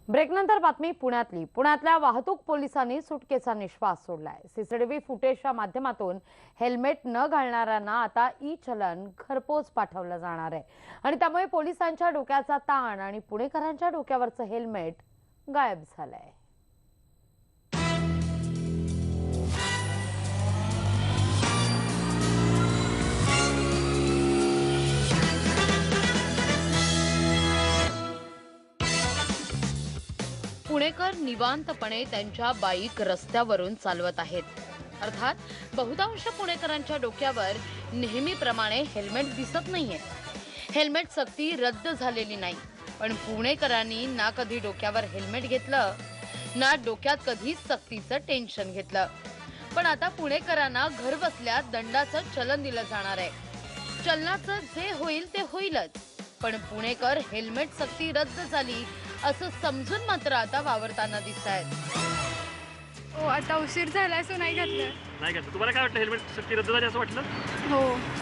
ब्रेकनंतर बातमी पुण्यातल्या वाहतूक पोलिसांनी सुटकेचा निश्वास सोडलाय। सीसीटीव्ही फुटेजच्या माध्यमातून हेल्मेट न घालणाऱ्यांना आता ई-चलन घरपोच पाठवलं जाणार आहे आणि त्यामुळे पोलिसांच्या डोक्याचा ताण आणि पुणेकरांच्या डोक्यावरचं हेल्मेट गायब झालंय। पुणेकर निवांतपणे त्यांच्या बाईक रस्त्यावरून चालवत आहेत। अर्थात बहुतांश पुणेकरांच्या डोक्यावर नेहमीप्रमाणे हेल्मेट दिसत नाहीये। हेल्मेट सक्ती रद्द झालेली नाही, पण पुणेकरांनी ना कधी डोक्यावर हेल्मेट घेतलं ना डोक्यात कधी सक्तीचं टेन्शन घेतलं। पण आता पुणेकरांना घर बसल्या दंडाचं चलन दिलं जाणार आहे। चलनाचं जे होईल ते होईलच, पण पुणेकर हेल्मेट सक्ती रद्द झाली असं समजून मात्र आता वावरताना दिसतायत। हो, आता उशीर झाला सो नाही घातलं। नाही घातलं। तुम्हाला काय वाटतं, हेल्मेट सक्ती रद्द झाली असं वाटलं? हो,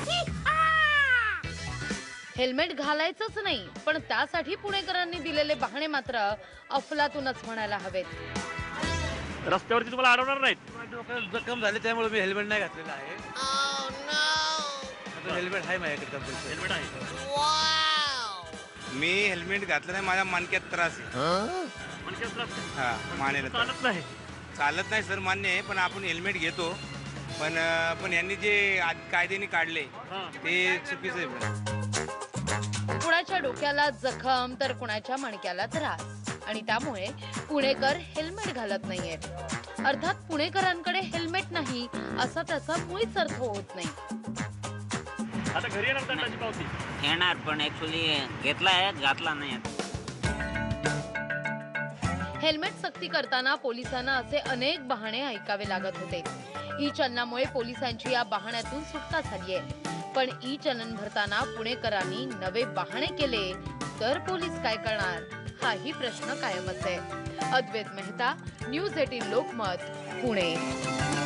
हेल्मेट घालायचंच नाही, पण त्यासाठी पुणेकरांनी दिलेले बहाणे मात्र अफलातूनच म्हणायला हवेत। रस्त्यावरती तुम्हाला अडवणार नाहीत? डोक्याला जखम झाली त्यामुळे मी हेल्मेट नाही घातलेलं आहे। हेल्मेट आहे माझ्याकडे कंपल्सरी। हेल्मेट आहे। मी हेल्मेट घातलं नाही, माझ्या मणक्यात त्रास आहे। मणक्यात त्रास आहे? हा, मानेला त्रास. चालत नाही। चालत नाही सर, मान्य आहे, पण आपण हेल्मेट घेतो। पण यांनी जे कायद्याने काढले ते चुकीचं आहे। कुणाच्या डोक्याला जखम तर कुणाच्या मणक्याला त्रास, आणि त्यामुळे पुणेकर हेल्मेट घालत नाहीयेत। अर्थात पुणेकरांकडे हेल्मेट नाही असा त्याचा मुळीच अर्थ होत नाही। आता घरी येणार दंडाची पावती येणार, पण ऍक्च्युली घेतलाय, घातला नाही। हेल्मेट सक्ती करताना पोलिसांना असे अनेक बहाणे ऐकावे लागत होते। ई चलनामुळे पोलिसांची या बहाण्यातून सुटका झालीये, पण ई चलन भरताना पुणेकरांनी नवे बहाणे केले तर पोलीस काय करणार, हाही प्रश्न कायमच आहे। अद्वैत मेहता, न्यूज 18 लोकमत, पुणे।